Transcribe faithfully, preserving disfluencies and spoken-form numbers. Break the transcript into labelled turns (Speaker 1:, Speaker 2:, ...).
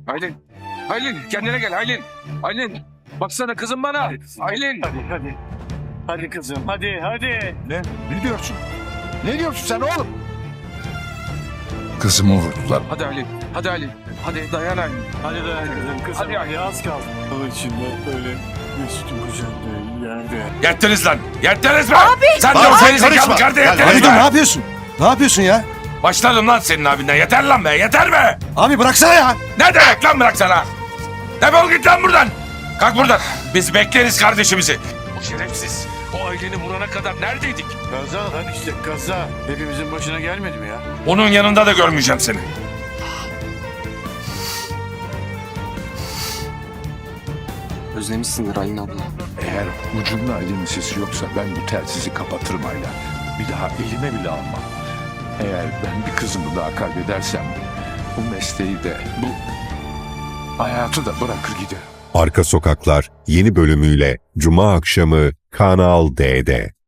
Speaker 1: Aylin. Aylin kendine gel Aylin. Aylin. Baksana kızım bana. Aylin.
Speaker 2: Hadi hadi. Hadi kızım hadi hadi.
Speaker 3: Ne? Ne diyorsun? Ne diyorsun sen oğlum?
Speaker 4: Kızımı vurdular.
Speaker 1: Hadi Aylin. Hadi Aylin. Hadi dayan Aylin.
Speaker 2: Hadi dayan kızım kızım.
Speaker 1: Hadi
Speaker 2: Hadi, az kaldı. O içinde öyle Mesut'un kucağında yerde.
Speaker 5: Yettiniz lan. Yettiniz mi? Abi. Sen de
Speaker 3: Abi,
Speaker 5: o seni
Speaker 3: karışma.
Speaker 5: zekalı kardeş
Speaker 3: Ya,
Speaker 5: yettiniz
Speaker 3: abi
Speaker 5: mi?
Speaker 3: dur, ne yapıyorsun? Ne yapıyorsun ya?
Speaker 5: Başladım lan senin abinden. Yeter lan be. Yeter be.
Speaker 3: Abi bıraksana ya.
Speaker 5: Ne demek lan bırak sana? Defol git lan buradan. Kalk buradan. Biz bekleriz kardeşimizi.
Speaker 1: O şerefsiz. O Aylin'i vurana kadar neredeydik?
Speaker 2: Kaza lan işte kaza. Hepimizin başına gelmedi mi ya?
Speaker 5: Onun yanında da görmeyeceğim seni.
Speaker 6: Özlemişsindir Aylin abla.
Speaker 4: Eğer ucunda Aylin'in sesi yoksa ben bu telsizi kapatırım Ayla. Bir daha elime bile almam. Eğer ben bir kızımı daha kaybedersem bu mesleği de bu hayatı da bırakır giderim.
Speaker 7: Arka Sokaklar yeni bölümüyle Cuma akşamı Kanal D'de.